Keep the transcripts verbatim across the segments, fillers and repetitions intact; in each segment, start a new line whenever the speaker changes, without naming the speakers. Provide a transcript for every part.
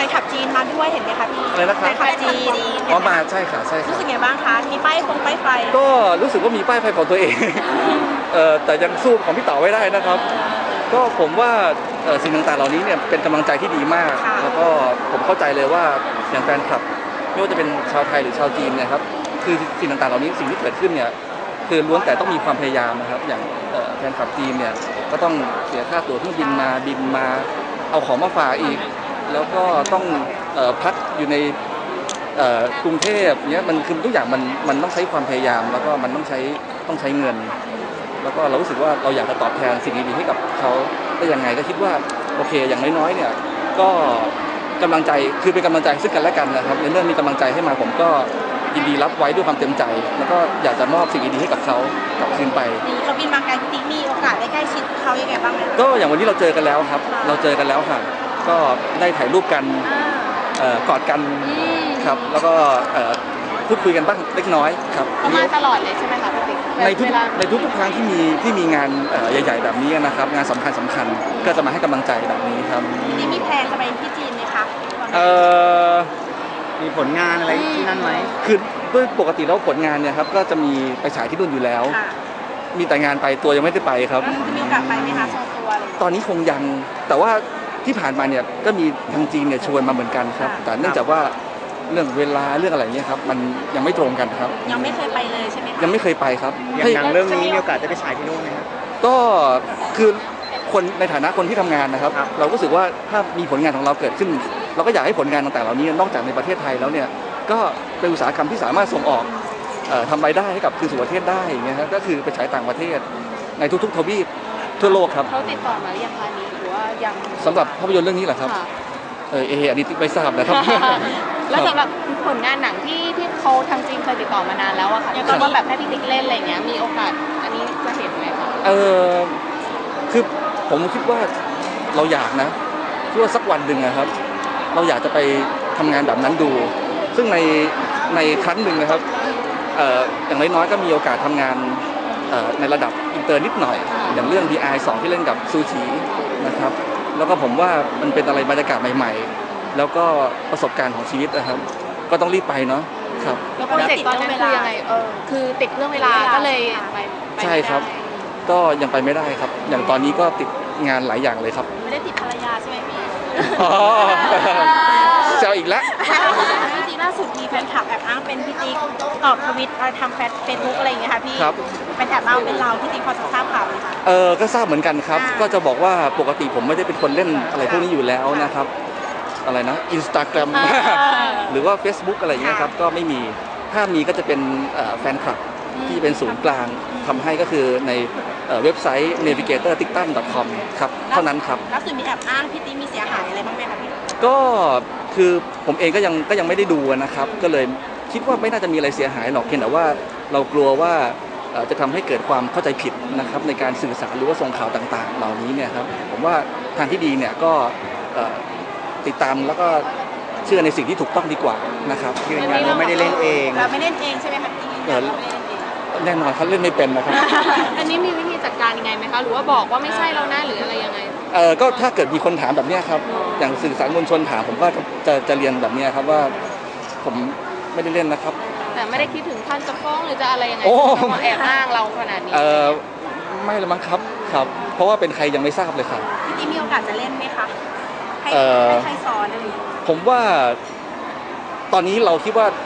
นคลับจีนมาด้วยเห็นไหมคะพี่
อะไรนะครับ
แฟนคลับจีน
อ๋อมาใช่ค่ะใช่ค่ะ
รู้สึกไงบ้างคะมีป้ายฟงป้ายไฟ
ก็รู้สึกว่ามีป้ายไฟของตัวเองเอ่อแต่ยังสู้ของพี่เต๋าไม่ได้นะครับก็ผมว่าสิ่งต่างๆเหล่านี้เนี่ยเป็นกำลังใจที่ดีมากแล้วก็ผมเข้าใจเลยว่าอย่างแฟนคลับไม่ว่าจะเป็นชาวไทยหรือชาวจีนเนี่ยครับคือสิ่งต่างๆเหล่านี้สิ่งที่เกิดขึ้นเนี่ยคือล้วนแต่ต้องมีความพยายามนะครับอย่างแฟนคลับจีนเนี่ยก็ต้องเสียค่าตั๋วเครื่องบินมาบินมาเอาของมาฝากอีกแล้วก็ต้องพักอยู่ในกรุงเทพเนี่ยมันคือทุกอย่างมันมันต้องใช้ความพยายามแล้วก็มันต้องใช้ต้องใช้เงินแล้วก็เรารู้สึกว่าเราอยากจะตอบแทนสิ่งดีๆให้กับเขาได้ยังไงก็คิดว่าโอเคอย่างน้อยๆเนี่ยก็กำลังใจคือเป็นกำลังใจซึ่งกันและกันนะครับในเมื่อมีกำลังใจให้มาผมก็ยินดีรับไว้ด้วยความเต็มใจแล้วก็อยากจะมอบสิ่งดีๆให้กับเขากลับคืนไป
เขาบินมาไกลพี่ติ๊กมีโอกาสได้ใกล้ชิดเขายังไงบ้างไหม
ก็อย่างวันนี้เราเจอกันแล้วครับเราเจอกันแล้วค่ะก็ได้ถ่ายรูปกันกอดกันครับแล้วก็พูดคุยกันบ้างเล็กน้อยครับ
เขามาตลอดเลยใช่ไหมคะพี่ติ๊ก
ในทุกในทุกๆครั้งที่มีที่มีงานใหญ่ๆแบบนี้นะครับงานสำคัญสำคัญก็จะมาให้กำลังใจแบบนี้ครับ
พี่ติ๊กมีแพลนจะไปที่จีนไหมคะ
เออ
มีผลงานอะไรที่นั่นไหม
คือด้วยปกติแล้วผลงานเนี่ยครับก็จะมีไปฉายที่นู่นอยู่แล้วมีแต่งานไปตัวยังไม่ได้ไปครับ
มีโอกาสไปไหมคะโชว์ตัวอะไร
ตอนนี้คงยังแต่ว่าที่ผ่านมาเนี่ยก็มีทางจีนเนี่ยชวนมาเหมือนกันครับแต่เนื่องจากว่าเรื่องเวลาเรื่องอะไรเงี้ยครับมันยังไม่ตรงกันครับ
ยังไม่เคยไปเลยใช่ไหม
ยังไม่เคยไปครับ
อย่างหนังเรื่องนี้มีโอกาสจะไปฉายที่นู่นไหมครับ
ก็คือคนในฐานะคนที่ทำงานนะครับเราก็รู้สึกว่าถ้ามีผลงานของเราเกิดขึ้นเราก็อยากให้ผลงานต่างๆเหล่านี้นอกจากในประเทศไทยแล้วเนี่ยก็เป็นอุตสาหกรรมที่สามารถส่งออกทำรายได้ให้กับคืนสู่ประเทศได้อย่างเงี้ยครับก็คือไปฉายต่างประเทศในทุกๆทวีปทั่วโลกครับ
เขาติดต่อมาหรือยังคะนี้หรือว่ายัง
สำหรับภาพยนตร์เรื่องนี้เหรอครับเออเอออันนี้ไม่ทราบนะครับ
แล้วสำหรับผลงานหนังที่ที่เขาทางจีนเคยติดต่อมานานแล้วอะค่ะยังก็แบบให้พี่ติ๊กเล่นอะไรเงี้ยมีโอกาสอันนี้จะเห็นไหมคะ
เออคือผมคิดว่าเราอยากนะคิดว่าสักวันหนึ่งนะครับเราอยากจะไปทำงานแบบนั้นดูซึ่งในในครั้งหนึ่งนะครับเอ่ออย่างน้อยๆก็มีโอกาสทำงานในระดับอินเตอร์นิดหน่อยอย่างเรื่อง ดี ไอ สองที่เล่นกับซูชินะครับแล้วก็ผมว่ามันเป็นอะไรบรรยากาศใหม่ๆแล้วก็ประสบการณ์ของชีวิตนะครับก็ต้องรีบไปเนาะครับ
แล้วโปรเจกต์ตอนนั้นคือยังไงเออคือติดเรื่องเวลาก็เลยไป
ใช่ครับก็ยังไปไม่ได้ครับอย่างตอนนี้ก็ติดงานหลายอย่างเลยครับ
ไม่ได้ติดภรรยาใช่ไหมพี่
อ๋อเจ้าอีกแล้ว
พี่ติ๊กล่าสุดมีแฟนคลับแอบอ้างเป็นพี่ติ๊กตอบทวิตทำแฟนเฟซบุ๊กอะไรอย่างเงี้ยค่ะพี่เป็นแอบอ้างเป็นเราพี่ติ๊กพอจะทราบข่าวไหมคะ
เออก็ทราบเหมือนกันครับก็จะบอกว่าปกติผมไม่ได้เป็นคนเล่นอะไรพวกนี้อยู่แล้วนะครับอะไรนะ Instagram หรือว่า Facebook อะไรอย่างเงี้ยครับก็ไม่มีถ้ามีก็จะเป็นแฟนคลับที่เป็นศูนย์กลางทำให้ก็คือในเว็บไซต์ เนวิเกเตอร์ติ๊กตัม ดอท คอม ครับเท่านั้นครับ
ล่าสุดมีแอบอ้างพี่ติ๊กมีเสียหายอะไรบ้างไหมคะพี่
ก็คือผมเองก็ยังก็ยังไม่ได้ดูนะครับก็เลยคิดว่าไม่น่าจะมีอะไรเสียหายหรอกเพียงแต่ว่าเรากลัวว่าจะทำให้เกิดความเข้าใจผิดนะครับในการสื่อสารหรือว่าส่งข่าวต่างๆเหล่านี้เนี่ยครับผมว่าทางที่ดีเนี่ยก็ติดตามแล้วก็เชื่อในสิ่งที่ถูกต้องดีกว่านะครับ
ยืนยันว่าไม่ได้เล่นเอง
เราไม่เล่นเองใช่ไหมคะ
แน่นอนเขาเล่นไม่เป็นนะครับ
อันนี้มีวิธีจัดการยังไงไหมคะหรือว่าบอกว่าไม่ใช่เราหน้าหรืออะไรยังไง
เออก็ถ้าเกิดมีคนถามแบบนี้ครับอย่างสื่อสารมวลชนถามผมก็จะจะเรียนแบบนี้ครับว่าผมไม่ได้เล่นนะครับ
แต่ไม่ได้คิดถึงท่านจะฟ้องหรือจะอะไรยังไงมาแอบอ้างเราขนาดนี้
เออไม่ละมั้งครับครับเพราะว่าเป็นใครยังไม่ทราบเลยครับ
พี่ติ๊กมีโอกาสจะเล่นไหมคะให้ใครสอนอะไร
ผมว่าตอนนี้เราคิดว่า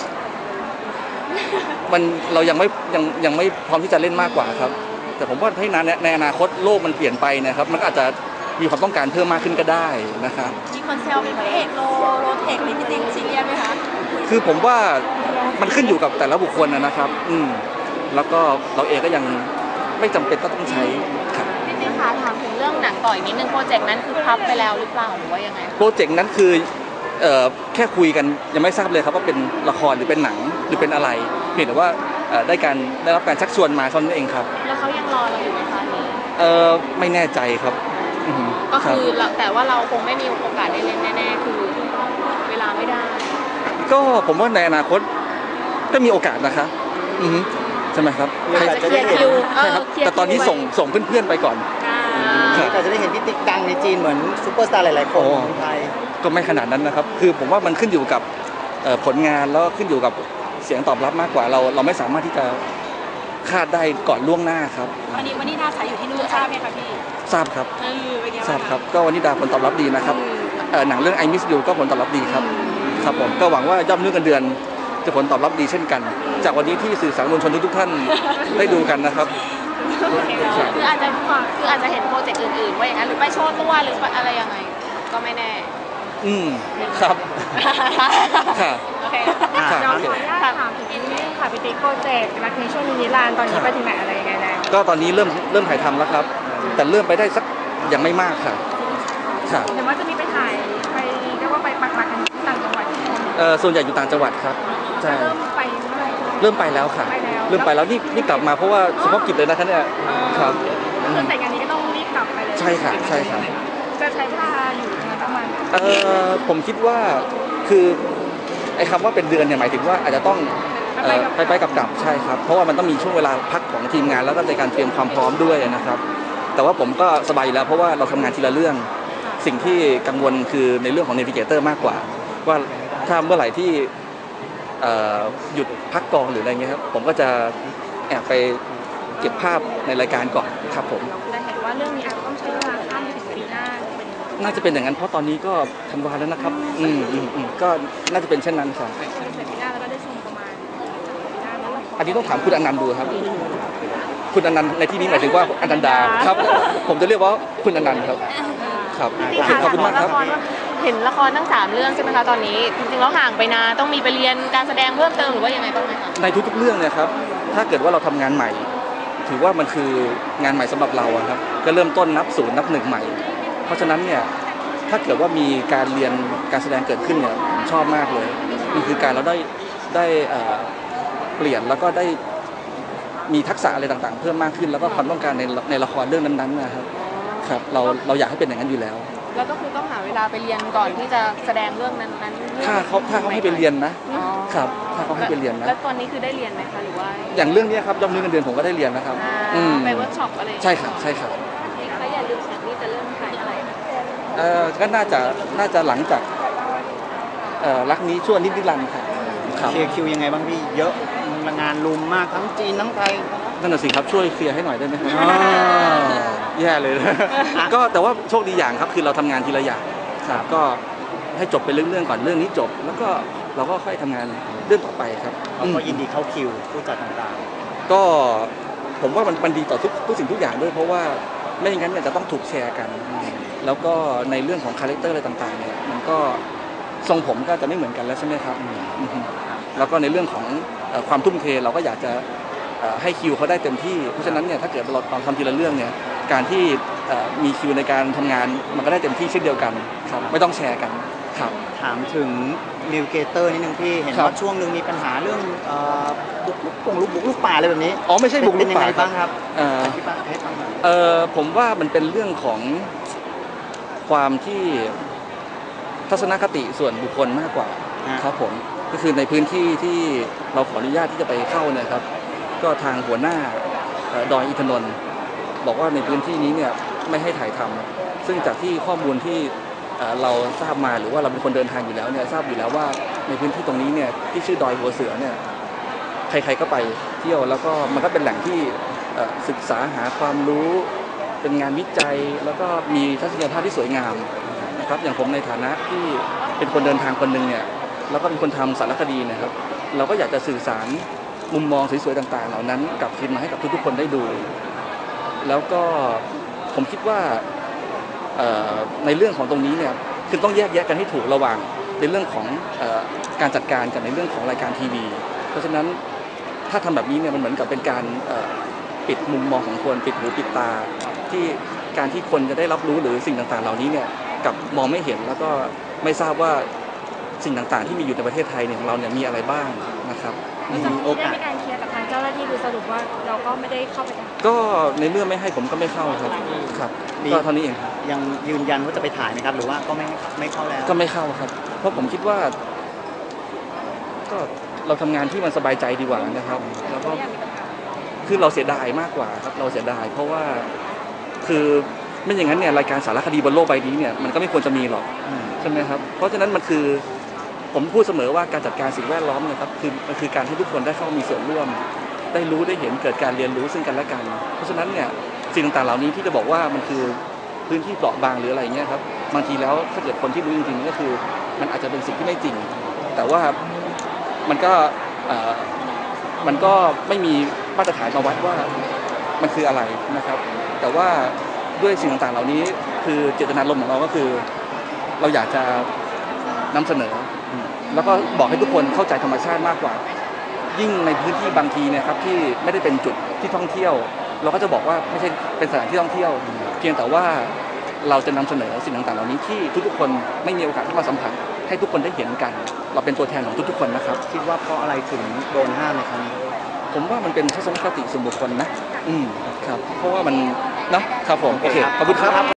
มันเรายังไม่ยังยังไม่พร้อมที่จะเล่นมากกว่าครับแต่ผมว่าให้นานในอนาคตโลกมันเปลี่ยนไปนะครับมันอาจจะมีความต้องการเพิ่มมากขึ้นก็ได้นะครับ
มีคนแซวเป็นพระเอกโลโลเทคในพี่ติ๊กซีเรียสไหมคะ
คือผมว่ามันขึ้นอยู่กับแต่ละบุคคลนะครับอืมแล้วก็เราเองก็ยังไม่จำเป็นต้องใช้ครับ
พี่ติ๊กคะถามถึงเรื่องหนังต่ออีกนิดนึงโปรเจกต์นั้นคือพับไปแล้วหรือเปล่าหรือว่ายังไง
โปรเจกต์นั้นคือเอ่อแค่คุยกันยังไม่ทราบเลยครับว่าเป็นละครหรือเป็นหนังหรือเป็นอะไรเพียงแต่ว่าได้การได้รับการชักชวนมาเท่านั้นเองครับ
แล้วเขายังรอเราอยู่ไหมคะนี้
เออไม่แน่ใจครับ
ก็คือแต่ว่าเราคงไม่มีโอกาสได้เล่นแน่ๆคือเวลาไม่ได้
ก็ผมว่าในอนาคตก็มีโอกาสนะคะใช่ไหมครับ
อาจจะเคลียร์คิว
ใช่ครับแต่ตอนนี้ส่งส่งเพื่อนๆไปก่อน
อาจจะได้เห็นพี่ติ๊กดังในจีนเหมือนซุปเปอร์สตาร์หลายๆคนในไทย
ก็ไม่ขนาดนั้นนะครับคือผมว่ามันขึ้นอยู่กับผลงานแล้วขึ้นอยู่กับเสียงตอบรับมากกว่าเราเราไม่สามารถที่จะคาดได้ก่อนล่วงหน้าครับ
วันนี้วันนี้ดาสายอยู่ที่นู่นทราบไหมคะพี่
ทราบครับ
เออเป็นไง
ทราบครับก็วันนี้ดาผลตอบรับดีนะครับหนังเรื่อง I Miss You ก็ผลตอบรับดีครับครับผมก็หวังว่ายอดเนื้อกันเดือนจะผลตอบรับดีเช่นกันจากวันนี้ที่สื่อสารมวลชนทุกท่านได้ดูกันนะครับ
คืออาจจะคืออาจจะเห็นโปรเจกต์อื่นๆว่าอย่างนั้นหรือไปโชว์ตัวหรืออะไรยังไงก็ไม่แน่
อืมครับ
ค่ะโอเคเราขออนุญาตถามถึงนี่ค่ะพี่ติ๊กโปรเจกต์รักนี้ช่วงนิรันดร์ตอนนี้ไปถึงไหนอะไรยังไงแล้ว
ก็ตอนนี้เริ่มเริ่มถ่ายทำแล้วครับแต่เริ่มไปได้สักยังไม่มากค่ะ
ค่ะเห็นว่าจะมีไปถ่ายไปเรียกว่าไปปักหลักกันต่างจังหวัด
เออส่วนใหญ่อยู่ต่างจังหวัดครับ
ใช่เริ่มไปเมื่อไหร่
เริ่มไปแล้วค่ะเริ่มไปแล้วนี่นี่กลับมาเพราะว่าเฉพาะกิจเลยนะคะเนี่ยครับ
คือแต่งงานนี้ก็ต้องรีบกลับไปเลย
ใช่ค่ะใช่ค่ะ
จะใช้เวลาอยู่ประมาณ
เออผมคิดว่าคือไอ้คำว่าเป็นเดือนเนี่ยหมายถึงว่าอาจจะต้องไปไปกับกลับใช่ครับเพราะว่ามันต้องมีช่วงเวลาพักของทีมงานแล้วก็ในการเตรียมความพร้อมด้วยนะครับแต่ว่าผมก็สบายแล้วเพราะว่าเราทำงานทีละเรื่องสิ่งที่กังวลคือในเรื่องของเนวิเกเตอร์มากกว่าว่าถ้าเมื่อไหร่ที่หยุดพักกองหรืออะไรเงี้ยครับผมก็จะแอบไปเก็บภาพในรายการก่อนครับผม
แต่เห็นว่าเรื่องนี้อาจจะต้องใช้เวลาข้ามไปถึงปีหน้า
น่าจะเป็นอย่างนั้นเพราะตอนนี้ก็ธันวาแล้วนะครับอืมอืมอืมก็น่าจะเป็นเช่นนั้นครับ
ปีหน้าแล้วก็ได้ชมประมาณปีหน้าแล้ว
อันนี้ต้องถามคุณอนันต์ดูครับคุณอนันต์ในที่นี้หมายถึงว่าอนันดาครับผมจะเรียกว่าคุณอนันต์ครับครับขอบคุณมากครับ
เห็นละครทั้งสามเรื่องใช่ไหมคะตอนนี้จริงๆแล้วห่างไปนานต้องมีไปเรียนการแสดงเพิ่มเติมหรือว่ายังไงบ้างไหมคะ
ในทุกๆเรื่องเนี่ยครับถ้าเกิดว่าเราทำงานใหม่ถือว่ามันคืองานใหม่สำหรับเราครับก็เริ่มต้นนับศูนย์นับหนึ่งใหม่เพราะฉะนั้นเนี่ยถ้าเกิดว่ามีการเรียนการแสดงเกิดขึ้นเนี่ยผมชอบมากเลยมันคือการเราได้ได้เปลี่ยนแล้วก็ได้มีทักษะอะไรต่างๆเพิ่มมากขึ้นแล้วก็ความต้องการในในละครเรื่องนั้นๆนะครับครับเราเราอยากให้เป็นอย่างนั้นอยู่แล้ว
แล้วก็คือต้องหาเวลาไปเรียนก่อนที่จะแสดงเรื่องนั้น
ๆถ้าเขาถ้าเขาให้ไปเรียนนะครับถ้าเขาให้ไปเรียนนะ
แล้วตอนนี้คือได้เรียนไหมคะหรือว่า
อย่างเรื่องนี้ครับยอดเงินเดือนผมก็ได้เรียนนะครับ
ไปเวิร์กช็อปอะไร
ใช่ครับใช่ครับ
แล้วอย่าลืมนี่จะเริ่มถ่ายอะไร
เออก็น่าจะน่าจะหลังจากเอ่อรักนี้ชั่วนิรันดร์ครับ
เคลียร์คิวยังไงบ้างพี่เยอะงานลุมมากทั้งจีนทั้งไทย
นั่นน่ะสิครับช่วยเคลียร์ให้หน่อยได้ไหมครับแย่เลยก็แต่ว่าโชคดีอย่างครับคือเราทำงานทีละอย่างครับก็ให้จบไปเรื่องๆก่อนเรื่องนี้จบแล้วก็เราก็ค่อยทำงานเรื่องต่อไปครับ
ก็ยินดีเข้าคิวผู้จัดต่าง
ๆก็ผมว่ามันมันดีต่อทุกทุกสิ่งทุกอย่างด้วยเพราะว่าไม่อย่างนั้นเนี่ยจะต้องถูกแชร์กันแล้วก็ในเรื่องของคาแรคเตอร์อะไรต่างๆเนี่ยมันก็ทรงผมก็จะไม่เหมือนกันแล้วใช่ไหมครับแล้วก็ในเรื่องของความทุ่มเทเราก็อยากจะให้คิวเขาได้เต็มที่เพราะฉะนั้นเนี่ยถ้าเกิดเราตอนทำทีละเรื่องเนี่ยการที่มีคิวในการทำงานมันก็ได้เต็มที่เช่นเดียวกันครับไม่ต้องแชร์กันครับ
ถามถึงนิวเกเตอร์นิดนึงพี่เห็นว่าช่วงนึงมีปัญหาเรื่องบุกลุกปงลุกบุกลุกป่าอะไรแบบนี้
อ๋อไม่ใช่บุกลุกป่า
บ้างครับ
เออผมว่ามันเป็นเรื่องของความที่ทัศนคติส่วนบุคคลมากกว่าครับผมก็คือในพื้นที่ที่เราขออนุญาตที่จะไปเข้าเนี่ยครับก็ทางหัวหน้าดอยอินทนนท์บอกว่าในพื้นที่นี้เนี่ยไม่ให้ถ่ายทำซึ่งจากที่ข้อมูลที่เราทราบมาหรือว่าเราเป็นคนเดินทางอยู่แล้วเนี่ยทราบอยู่แล้วว่าในพื้นที่ตรงนี้เนี่ยที่ชื่อดอยหัวเสือเนี่ยใครๆก็ไปเที่ยวแล้วก็มันก็เป็นแหล่งที่ศึกษาหาความรู้เป็นงานวิจัยแล้วก็มีทัศนียภาพที่สวยงามนะครับอย่างผมในฐานะที่เป็นคนเดินทางคนหนึ่งเนี่ยแล้วก็เป็นคนทำสารคดีนะครับเราก็อยากจะสื่อสารมุมมองสวยๆต่างๆเหล่านั้นกลับคืนมาให้กับทุกๆคนได้ดูแล้วก็ผมคิดว่าในเรื่องของตรงนี้เนี่ยคือต้องแยกแยะกันให้ถูกระหว่างในเรื่องของการจัดการกับในเรื่องของรายการทีวีเพราะฉะนั้นถ้าทำแบบนี้เนี่ยมันเหมือนกับเป็นการปิดมุมมองของคนปิดหูปิดตาที่การที่คนจะได้รับรู้หรือสิ่งต่างๆเหล่านี้เนี่ยกับมองไม่เห็นแล้วก็ไม่ทราบว่าสิ่งต่างๆที่มีอยู่ในประเทศไทยเนี่ยของเราเนี่ยมีอะไรบ้างนะครับ
มีโอกาสในการเคลียร์กับทางเจ้าหน้าที่คือสรุปว่าเราก็ไม่ได้เข้าไป
ก็ในเมื่อไม่ให้ผมก็ไม่เข้าครับครับก็เท่านี้เอง
ยังยืนยันว่าจะไปถ่ายไหมครับหรือว่าก็ไม่ไม่เข้าแล้ว
ก็ไม่เข้าครับเพราะผมคิดว่าก็เราทำงานที่มันสบายใจดีกว่านะครับแล้วก็คือเราเสียดายมากกว่าครับเราเสียดายเพราะว่าคือไม่อย่างนั้นเนี่ยรายการสารคดีบนโลกใบนี้เนี่ยมันก็ไม่ควรจะมีหรอก
อืม
ใช่ไหมครับเพราะฉะนั้นมันคือผมพูดเสมอว่าการจัดการสิ่งแวดล้อมเนี่ยครับคือมันคือการให้ทุกคนได้เข้ามีส่วนร่วม ได้รู้ได้เห็นเกิดการเรียนรู้ซึ่งกันและกัน เพราะฉะนั้นเนี่ยสิ่งต่างๆเหล่านี้ที่จะบอกว่ามันคือพื้นที่เปราะบางหรืออะไรเงี้ยครับบางทีแล้วถ้าเกิดคนที่รู้จริงๆก็คือมันอาจจะเป็นสิ่งที่ไม่จริง แต่ว่ามันก็เอ่อมันก็ไม่มีมาตรฐานมาวัดว่ามันคืออะไรนะครับ แต่ว่าด้วยสิ่งต่างๆเหล่านี้คือเจตนารมณ์ของเราก็คือ เราอยากจะนำเสนอ แล้วก็บอกให้ทุกคนเข้าใจธรรมชาติมากกว่า ยิ่งในพื้นที่บางทีเนี่ยครับที่ไม่ได้เป็นจุดที่ท่องเที่ยว เราก็จะบอกว่าไม่ใช่เป็นสถานที่ท่องเที่ยว เพียงแต่ว่าเราจะนำเสนอสิ่งต่างๆเหล่านี้ที่ทุกๆคนไม่มีโอกาสเข้ามาสัมผัสให้ทุกคนได้เห็นกัน เราเป็นตัวแทนของทุกๆคนนะครับ
คิดว่าเพราะอะไรถึงโดนห้ามในครั้งนี้
ผมว่ามันเป็นทัศนคติส่วนบุคคลนะ อืมครับ เพราะว่ามันเนาะครับผมโอเคขอบคุณครับ